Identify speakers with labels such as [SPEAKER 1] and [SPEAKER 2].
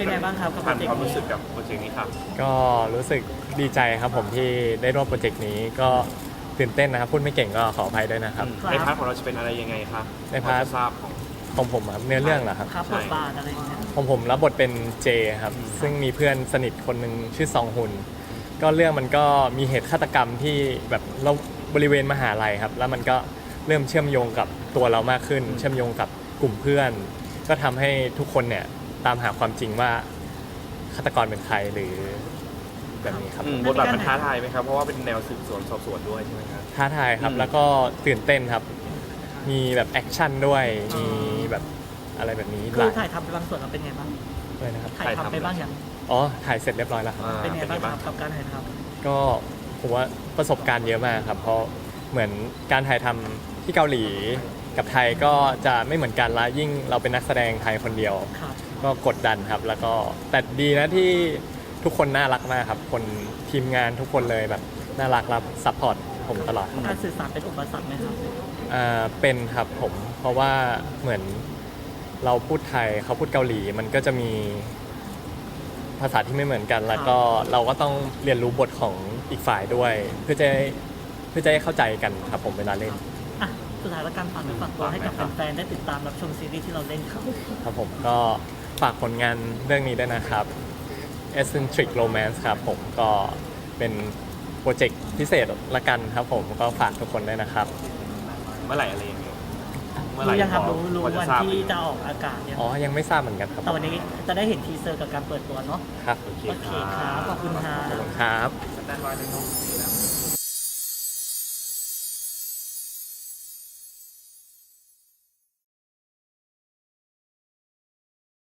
[SPEAKER 1] ไงบ้างครับกับโปร
[SPEAKER 2] ผ่าน
[SPEAKER 1] เจก
[SPEAKER 2] ความ
[SPEAKER 1] ต์
[SPEAKER 2] รู้
[SPEAKER 1] นี้
[SPEAKER 2] สึกกับโปรเจกต์นี้ครับ
[SPEAKER 3] ก็รู้สึกดีใจครับผมที่ได้ร่วมโปรเจกต์นี้ก็ตื่นเต้นนะครับพูดไม่เก่งก็ขออภัยด้วยนะครับ
[SPEAKER 2] ในพาร์ทของเราจะเป็นอะไรยังไงครับ
[SPEAKER 3] ในพาร์ท
[SPEAKER 2] จะทราบของ
[SPEAKER 3] ของผมครับเนื้อเรื่องเหรอครับ
[SPEAKER 1] ครับบทบาทอะไรอย่างเงี้ย
[SPEAKER 3] ของผมรับบทเป็นเจครับซึ่งมีเพื่อนสนิทคนหนึ่งชื่อซองฮุนก็เรื่องมันก็มีเหตุฆาตกรรมที่แบบเราบริเวณมหาลัยครับแล้วมันก็เริ่มเชื่อมโยงกับตัวเรามากขึ้น เชื่อมโยงกับกลุ่มเพื่อน ก็ทำให้ทุกคนเนี่ยตามหาความจริงว่าฆาตกรเป็นใครหรือแบบนี้ครับ
[SPEAKER 2] บทบาทมันท้าทายไหมครับเพราะว่าเป็นแนวสืบสวนสอบสวนด้วยใช่ไหมครับ
[SPEAKER 3] ท้าทายครับแล้วก็ตื่นเต้นครับ มีแบบแอคชั่นด้วยมีแบบอะไรแบบนี้
[SPEAKER 1] คือถ่ายทำไปบางส่วนเราเป็นไงบ้าง
[SPEAKER 3] ด้วยนะครับ
[SPEAKER 1] ถ่ายทำไปบ้างยัง
[SPEAKER 3] อ๋อถ่ายเสร็จเรียบร้อยแล้วครับ
[SPEAKER 1] เป็นไงบ้างครับกับการถ่ายท
[SPEAKER 3] ก็ผมว่าประสบการณ์เยอะมากครับ เพราะเหมือนการถ่ายทำที่เกาหลีกับไทยก็จะไม่เหมือนกันละยิ่งเราเป็นนักแสดงไทยคนเดียว
[SPEAKER 1] ำครับ
[SPEAKER 3] ก็กดดันครับแล้วก็แต่ดีนะที่ทุกคนน่ารักมากครับคนทีมงานทุกคนเลยแบบน่ารักรับซัพพอร์ตผมตลอดครับ
[SPEAKER 1] การสื่อสารเป็นอุปสรรคไหมครับ
[SPEAKER 3] เป็นครับผมเพราะว่าเหมือนเราพูดไทยเขาพูดเกาหลีมันก็จะมีภาษาที่ไม่เหมือนกัน แล้วก็เราก็ต้องเรียนรู้บทของอีกฝ่ายด้วย เพื่อจะให้เข้าใจกันครับผมเวลาเล่น
[SPEAKER 1] อ่ะสุดท้ายแล้วการฝากเนื้อฝากตัวให้กับแฟนๆได้ติดตามรับชมซีรีส์ที่เราเล่นครับ
[SPEAKER 3] ครับผมก็ฝากผลงานเรื่องนี้ด้วยนะครับ Eccentric Romance ครับผมก็เป็นโปรเจกต์พิเศษละกันครับผมก็ฝากทุกคนด้วยนะครับ
[SPEAKER 2] เมื่อไหร่อะไรยังไงเมื่อไห
[SPEAKER 1] รู้
[SPEAKER 2] ร่
[SPEAKER 1] ยังครับรู้
[SPEAKER 2] พอจะ
[SPEAKER 1] วัน
[SPEAKER 2] ทราบ
[SPEAKER 1] ที่จะออกอากาศยัง
[SPEAKER 3] อ๋อยังไม่ทราบเหมือนกันครับ
[SPEAKER 1] แต่วันนี้จะได้เห็นทีเซอร์กับการเปิดตัวเนาะ
[SPEAKER 3] ครับ
[SPEAKER 2] โอเค
[SPEAKER 1] โอเคครับขอบคุณครั
[SPEAKER 3] ขอบบ คุณครับ
[SPEAKER 2] สแตนบายเลยเนาะ